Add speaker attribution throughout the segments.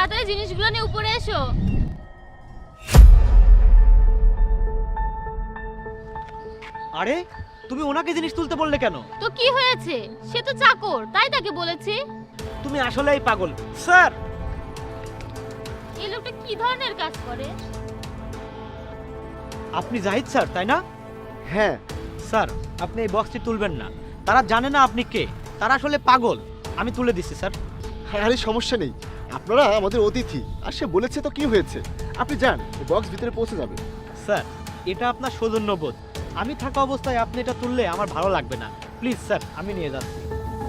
Speaker 1: তাড়াতাড়ি জিনিসগুলো নিয়ে উপরে এসো।
Speaker 2: আরে তুমি ওনাকে জিনিস তুলতে বললে কেন?
Speaker 1: তো কি হয়েছে, সে তো চাকর, তাই তাকে বলেছি।
Speaker 2: তুমি আসলেই পাগল স্যার।
Speaker 1: এই লোকটা কি ধরনের কাজ করে?
Speaker 2: আপনি জাহিদ স্যার তাই না?
Speaker 3: হ্যাঁ
Speaker 2: স্যার আপনি এই বক্সটি তুলবেন না, তারা জানে না আপনি কে, তারা আসলে পাগল। আমি তুলে দিচ্ছি স্যার।
Speaker 3: আরে সমস্যা নেই, আপনারা আমাদের অতিথি আর সে বলেছে তো কি হয়েছে, আপনি যান, বক্স ভিতরে পৌঁছে যাবে।
Speaker 2: স্যার এটা আপনার সৌজন্যবোধ, আমি থাকা অবস্থায় আপনি এটা তুললে আমার ভালো লাগবে না। প্লিজ স্যার আমি নিয়ে যাচ্ছি।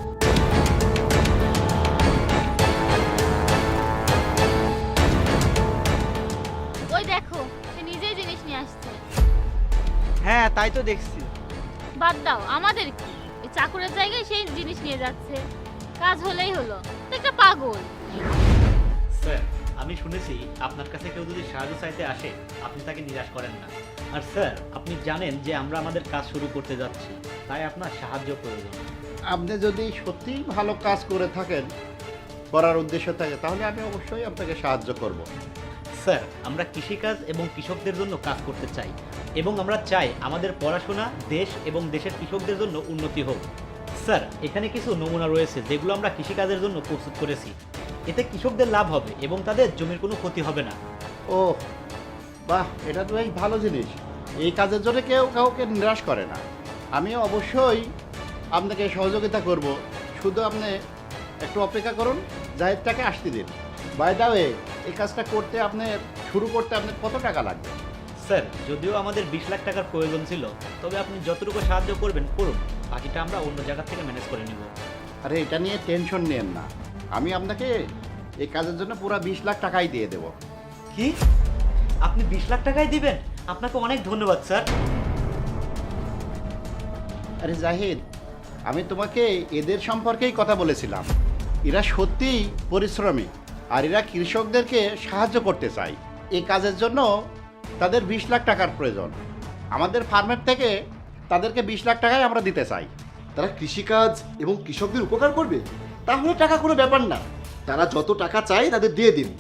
Speaker 1: ওই দেখো, সে নিজেই জিনিস নিয়ে আসছে।
Speaker 2: হ্যাঁ তাই তো দেখছি।
Speaker 1: বাদ দাও, আমাদের কি, এই চাকরের জায়গায় সেই জিনিস নিয়ে যাচ্ছে। কাজ হলেই হলো, তো একটা পাগল।
Speaker 2: স্যার আমি শুনেছি আপনার কাছে কেউ যদি সাহায্য চাইতে আসে আপনি তাকে নিরাশ করেন না। আর স্যার আপনি জানেন যে আমরা আমাদের কাজ শুরু করতে যাচ্ছি, তাই আপনার সাহায্য প্রয়োজন।
Speaker 4: আপনি যদি সত্যিই ভালো কাজ করে থাকেন, করার উদ্দেশ্য থাকে, তাহলে আমি অবশ্যই আপনাকে সাহায্য করব।
Speaker 2: স্যার আমরা কৃষিকাজ এবং কৃষকদের জন্য কাজ করতে চাই, এবং আমরা চাই আমাদের পড়াশোনা দেশ এবং দেশের কৃষকদের জন্য উন্নতি হোক। স্যার এখানে কিছু নমুনা রয়েছে যেগুলো আমরা কৃষিকাজের জন্য প্রস্তুত করেছি। এতে কৃষকদের লাভ হবে এবং তাদের জমির কোনো ক্ষতি হবে না।
Speaker 4: ও বাহ, এটা তো বেশ ভালো জিনিস। এই কাজের জন্য কেউ কাউকে নিরাশ করে না। আমি অবশ্যই আপনাকে সহযোগিতা করব, শুধু আপনি একটু অপেক্ষা করুন, জাহিদটাকে আসতে দিন। বাই দা ওয়ে, এই কাজটা করতে শুরু করতে আপনার কত টাকা লাগবে?
Speaker 2: স্যার যদিও আমাদের 20 লাখ টাকার প্রয়োজন ছিল, তবে আপনি যতটুকু সাহায্য করবেন করুন, বাকিটা আমরা অন্য জায়গা থেকে ম্যানেজ করে নিব।
Speaker 4: আরে এটা নিয়ে টেনশন নেন না, আমি আপনাকে এই কাজের জন্য পুরো 20 লাখ টাকাই দিয়ে দেব।
Speaker 2: কি আপনি 20 লাখ টাকাই দিবেন? আপনাকে অনেক ধন্যবাদ স্যার।
Speaker 4: আরে জাহিদ, আমি তোমাকে এদের সম্পর্কেই কথা বলেছিলাম। এরা সত্যিই পরিশ্রমী, আর এরা কৃষকদেরকে সাহায্য করতে চায়। এই কাজের জন্য তাদের 20 লাখ টাকার প্রয়োজন। আমাদের ফার্মের থেকে তাদেরকে 20 লাখ টাকাই আমরা দিতে চাই।
Speaker 3: তারা কৃষিকাজ এবং কৃষকদের উপকার করবে, তাহলে টাকা কোনো ব্যাপার না, তারা যত টাকা চায় তাদের দিয়ে দিন।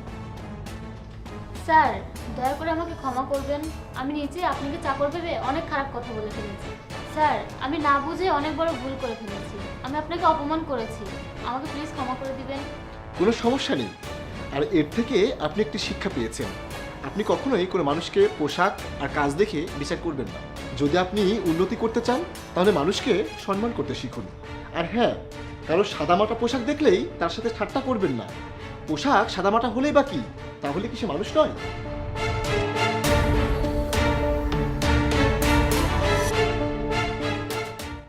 Speaker 1: স্যার দয়া করে আমাকে ক্ষমা করবেন, আমি নিজে আপনাকে চাকর ভেবে অনেক খারাপ কথা বলে ফেলেছি। স্যার আমি না বুঝে অনেক বড় ভুল করে ফেলেছি, আমি আপনাকে অপমান করেছি, আমাকে প্লিজ ক্ষমা করে দিবেন।
Speaker 3: কোনো সমস্যা নেই, আর এর থেকে আপনি একটি শিক্ষা পেয়েছেন। আপনি কখনোই কোনো মানুষকে পোশাক আর কাজ দেখে বিচার করবেন না। যদি আপনি উন্নতি করতে চান তাহলে মানুষকে সম্মান করতে শিখুন। আর হ্যাঁ, কারো সাদামাটা পোশাক দেখলেই তার সাথে ঠাট্টা করবেন না। পোশাক সাদামাটা হলেই বা কি, তাহলে কি সে মানুষ নয়?